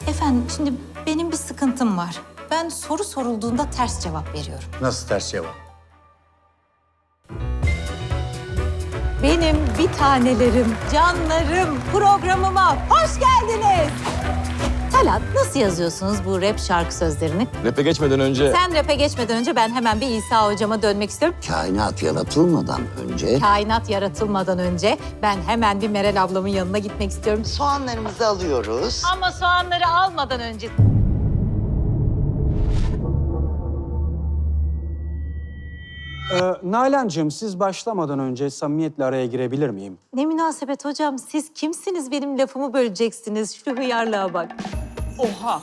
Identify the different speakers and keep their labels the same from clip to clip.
Speaker 1: Efendim şimdi benim bir sıkıntım var. Ben soru sorulduğunda ters cevap veriyorum.
Speaker 2: Nasıl ters cevap?
Speaker 1: Benim bir tanelerim, canlarım programıma hoş geldiniz. Talat, nasıl yazıyorsunuz bu rap şarkı sözlerini?
Speaker 3: Rap'e geçmeden önce...
Speaker 1: Sen rap'e geçmeden önce ben hemen bir İsa hocama dönmek istiyorum.
Speaker 4: Kainat yaratılmadan önce
Speaker 1: Kainat yaratılmadan önce ben hemen bir Meral ablamın yanına gitmek istiyorum.
Speaker 4: soğanlarımızı alıyoruz.
Speaker 1: Ama soğanları almadan önce...
Speaker 5: Nalan'cığım siz başlamadan önce samimiyetle araya girebilir miyim?
Speaker 1: Ne münasebet hocam, siz kimsiniz benim lafımı böleceksiniz? Şu hıyarlığa bak.
Speaker 6: Oha.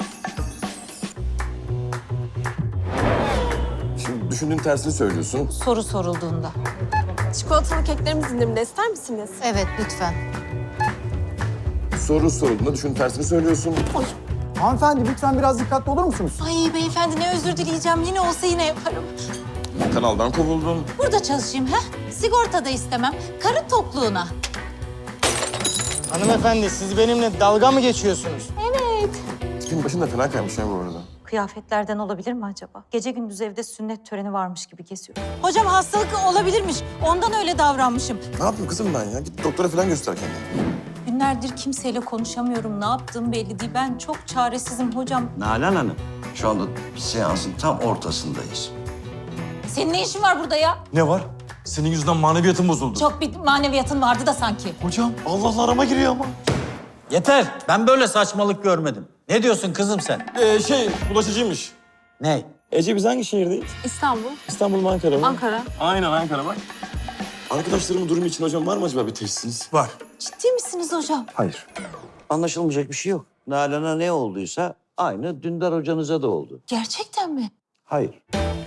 Speaker 3: Şimdi düşündüğün tersini söylüyorsun.
Speaker 1: Soru sorulduğunda.
Speaker 6: Çikolatalı keklerimiz indirimde, ister misiniz?
Speaker 1: Evet, lütfen.
Speaker 3: Soru sorulduğunda düşündüğün tersini söylüyorsun.
Speaker 7: Hanımefendi lütfen biraz dikkatli olur musunuz?
Speaker 1: Ay beyefendi ne özür dileyeceğim. Yine olsa yine yaparım.
Speaker 3: Kanaldan kovuldun.
Speaker 1: Burada çalışayım ha? Sigorta da istemem. Karı tokluğuna.
Speaker 7: Hanımefendi siz benimle dalga mı geçiyorsunuz?
Speaker 3: Tipin başın da fena kaymış ya bu arada.
Speaker 1: Kıyafetlerden olabilir mi acaba? Gece gündüz evde sünnet töreni varmış gibi geziyor. Hocam hastalık olabilirmiş. Ondan öyle davranmışım.
Speaker 3: Ne yapayım kızım ben ya? Git doktora falan göster kendini.
Speaker 1: Günlerdir kimseyle konuşamıyorum. Ne yaptığım belli değil. Ben çok çaresizim hocam.
Speaker 4: Nalan Hanım, şu anda seansın tam ortasındayız.
Speaker 1: Senin ne işin var burada ya?
Speaker 3: Ne var? Senin yüzünden maneviyatım bozuldu.
Speaker 1: Çok bir maneviyatın vardı da sanki.
Speaker 3: Hocam Allah'la arama giriyor ama.
Speaker 2: Yeter. Ben böyle saçmalık görmedim. Ne diyorsun kızım sen?
Speaker 3: Bulaşıcıymış.
Speaker 2: Ne?
Speaker 3: Ece biz hangi şehirdeyiz?
Speaker 6: İstanbul,
Speaker 3: İstanbul mu Ankara mı?
Speaker 6: Ankara.
Speaker 3: Aynen Ankara bak. Arkadaşlarımın durumu için hocam var mı acaba bir teşhisiniz?
Speaker 2: Var.
Speaker 1: Ciddi misiniz hocam?
Speaker 2: Hayır.
Speaker 4: Anlaşılmayacak bir şey yok. Nalan'a ne olduysa aynı Dündar hocanıza da oldu.
Speaker 1: Gerçekten mi?
Speaker 4: Hayır.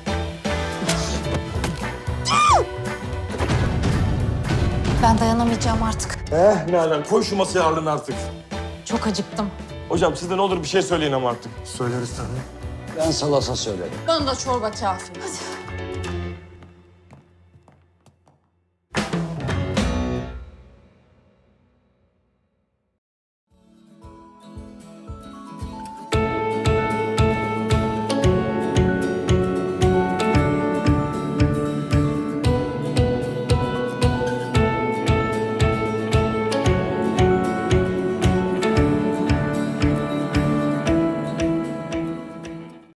Speaker 1: Ben dayanamayacağım artık.
Speaker 3: Nalan koy şu masaya ağırlığını artık.
Speaker 1: Çok acıktım.
Speaker 3: Hocam siz de ne olur bir şey söyleyin ama artık.
Speaker 2: Söyleriz tabii.
Speaker 4: Ben salasa söylerim.
Speaker 6: Bana da çorba kafi.
Speaker 1: Hadi.